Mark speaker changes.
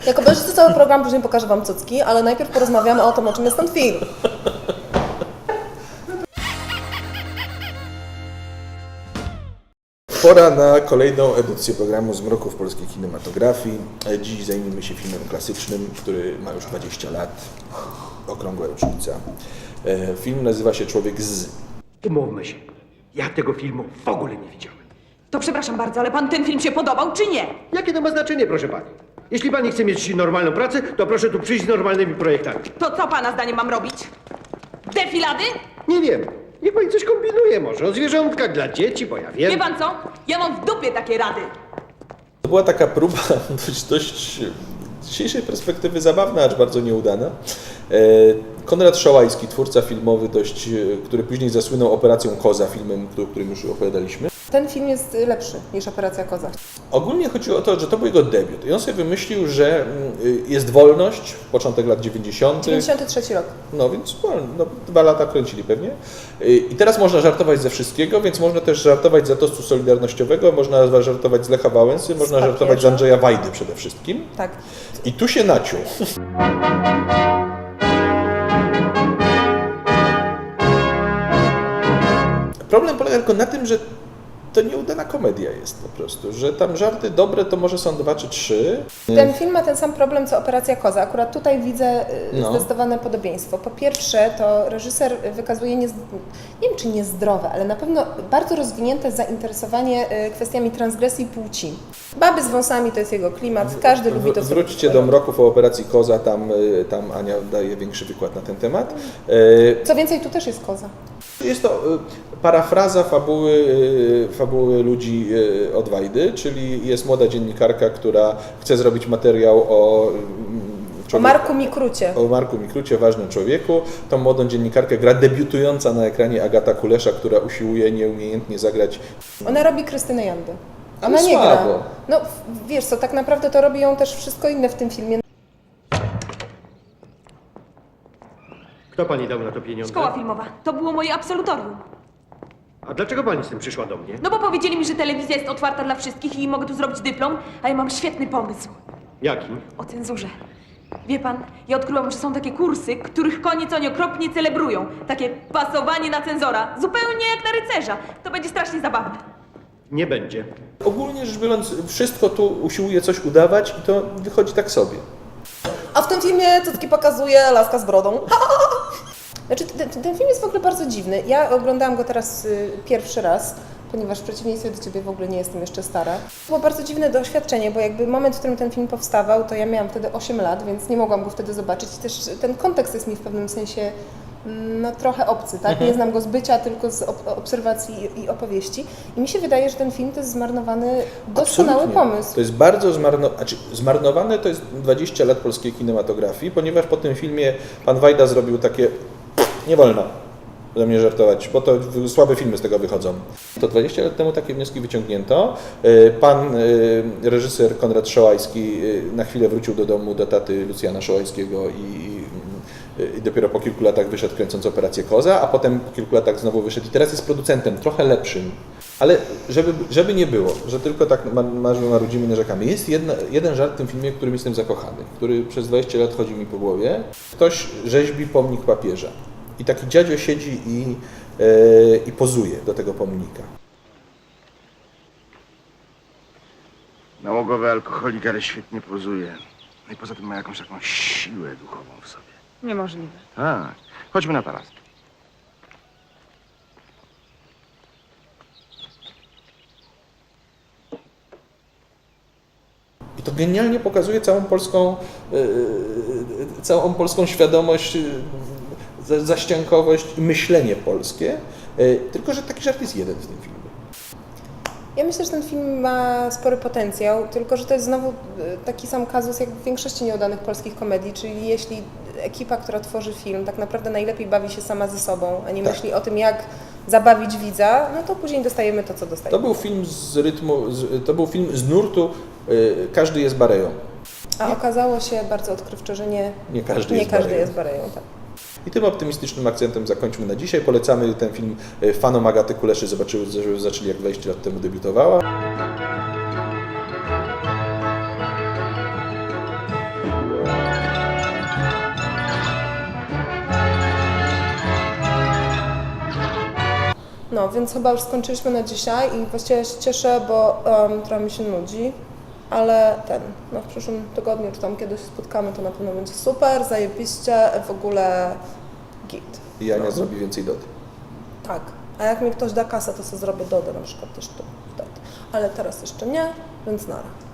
Speaker 1: Jak obejrzycie cały program, później pokażę wam cycki, ale najpierw porozmawiamy o tym, o czym jest ten film.
Speaker 2: Pora na kolejną edycję programu Zmroków polskiej kinematografii. Dziś zajmiemy się filmem klasycznym, który ma już 20 lat. Okrągła rocznica. Film nazywa się Człowiek z.
Speaker 3: Umówmy się, ja tego filmu w ogóle nie widziałem.
Speaker 4: To przepraszam bardzo, ale pan ten film się podobał, czy nie?
Speaker 3: Jakie to ma znaczenie, proszę pani? Jeśli pani chce mieć normalną pracę, to proszę tu przyjść z normalnymi projektami.
Speaker 4: To co pana zdaniem mam robić? Defilady?
Speaker 3: Nie wiem, niech pani coś kombinuje może, o zwierzątkach dla dzieci, bo ja wiem.
Speaker 4: Wie pan co? Ja mam w dupie takie rady.
Speaker 2: To była taka próba dość z dzisiejszej perspektywy zabawna, acz bardzo nieudana. Konrad Szołajski, twórca filmowy, który później zasłynął Operacją Koza, filmem, o którym już opowiadaliśmy.
Speaker 1: Ten film jest lepszy niż Operacja Koza.
Speaker 2: Ogólnie chodziło o to, że to był jego debiut i on sobie wymyślił, że jest wolność, początek lat 90.
Speaker 1: 93 rok.
Speaker 2: No więc 2 lata kręcili pewnie. I teraz można żartować ze wszystkiego, więc można też żartować z Atostu Solidarnościowego, można żartować z Lecha Wałęsy, można żartować z Andrzeja Wajdy przede wszystkim.
Speaker 1: Tak.
Speaker 2: I tu się naciął. Problem polega tylko na tym, że to nieudana komedia jest po prostu, że tam żarty dobre to może są 2 czy 3.
Speaker 1: Ten film ma ten sam problem co Operacja Koza. Akurat tutaj widzę zdecydowane podobieństwo. Po pierwsze, to reżyser wykazuje, nie wiem czy niezdrowe, ale na pewno bardzo rozwinięte zainteresowanie kwestiami transgresji płci. Baby z wąsami to jest jego klimat, każdy lubi to.
Speaker 2: Wróćcie do Mroków o Operacji Koza, tam Ania daje większy wykład na ten temat.
Speaker 1: Co więcej, tu też jest koza.
Speaker 2: Jest to parafraza fabuły ludzi od Wajdy, czyli jest młoda dziennikarka, która chce zrobić materiał o
Speaker 1: Marku Mikrucie.
Speaker 2: O Marku Mikrucie, ważnym człowieku. Tą młodą dziennikarkę gra debiutująca na ekranie Agata Kulesza, która usiłuje nieumiejętnie zagrać.
Speaker 1: Ona robi Krystynę Jandę.
Speaker 2: Ale
Speaker 1: Ona nie
Speaker 2: słabo.
Speaker 1: gra. No wiesz co, tak naprawdę to robi ją też wszystko inne w tym filmie.
Speaker 3: Kto pani dał na to pieniądze?
Speaker 4: Szkoła filmowa. To było moje absolutorium.
Speaker 3: A dlaczego pani z tym przyszła do mnie?
Speaker 4: No bo powiedzieli mi, że telewizja jest otwarta dla wszystkich i mogę tu zrobić dyplom, a ja mam świetny pomysł.
Speaker 3: Jaki?
Speaker 4: O cenzurze. Wie pan, ja odkryłam, że są takie kursy, których koniec oni okropnie celebrują. Takie pasowanie na cenzora. Zupełnie jak na rycerza. To będzie strasznie zabawne.
Speaker 3: Nie będzie.
Speaker 2: Ogólnie rzecz biorąc, wszystko tu usiłuje coś udawać i to wychodzi tak sobie.
Speaker 1: A w tym filmie cycki pokazuje laska z brodą. Znaczy, ten film jest w ogóle bardzo dziwny. Ja oglądałam go teraz pierwszy raz, ponieważ w przeciwieństwie do Ciebie w ogóle nie jestem jeszcze stara. To było bardzo dziwne doświadczenie, bo jakby moment, w którym ten film powstawał, to ja miałam wtedy 8 lat, więc nie mogłam go wtedy zobaczyć. Też ten kontekst jest mi w pewnym sensie no, trochę obcy, tak? Nie znam go z bycia, tylko z obserwacji i opowieści. I mi się wydaje, że ten film to jest zmarnowany, doskonały
Speaker 2: Absolutnie.
Speaker 1: pomysł.
Speaker 2: To jest bardzo zmarnowane to jest 20 lat polskiej kinematografii, ponieważ po tym filmie pan Wajda zrobił takie nie wolno ze mnie żartować, bo to słabe filmy z tego wychodzą. To 20 lat temu takie wnioski wyciągnięto. Pan reżyser Konrad Szołajski na chwilę wrócił do domu do taty Lucjana Szołajskiego i dopiero po kilku latach wyszedł kręcąc Operację Koza, a potem po kilku latach znowu wyszedł i teraz jest producentem trochę lepszym. Ale żeby nie było, że tylko tak marudzimy i narzekamy. Jest jeden żart w tym filmie, w którym jestem zakochany, który przez 20 lat chodzi mi po głowie. Ktoś rzeźbi pomnik papieża. I taki dziadzio siedzi i pozuje do tego pomnika.
Speaker 5: Nałogowy alkoholik, ale świetnie pozuje. No i poza tym ma jakąś taką siłę duchową w sobie.
Speaker 4: Niemożliwe.
Speaker 5: Tak. Chodźmy na taras.
Speaker 2: I to genialnie pokazuje całą polską świadomość, zaściankowość i myślenie polskie. Tylko że taki żart jest jeden w tym filmie.
Speaker 1: Ja myślę, że ten film ma spory potencjał, tylko że to jest znowu taki sam kazus jak w większości nieudanych polskich komedii, czyli jeśli ekipa, która tworzy film, tak naprawdę najlepiej bawi się sama ze sobą, a nie myśli o tym, jak zabawić widza, no to później dostajemy to, co dostajemy.
Speaker 2: To był film to był film z nurtu Każdy jest Bareją.
Speaker 1: A okazało się bardzo odkrywczo, że nie
Speaker 2: każdy
Speaker 1: jest Bareją. Tak.
Speaker 2: I tym optymistycznym akcentem zakończmy na dzisiaj. Polecamy ten film fanom Agaty Kuleszy, żeby zaczęli jak 20 lat temu debiutowała.
Speaker 1: No, więc chyba już skończyliśmy na dzisiaj i właściwie się cieszę, bo trochę mi się nudzi, ale no w przyszłym tygodniu, czy tam kiedyś spotkamy, to na pewno będzie super, zajebiście, w ogóle git.
Speaker 2: I Ania zrobi więcej Dody.
Speaker 1: Tak, a jak mi ktoś da kasę, to sobie zrobię Dodę na przykład też to wtedy. Ale teraz jeszcze nie, więc nara.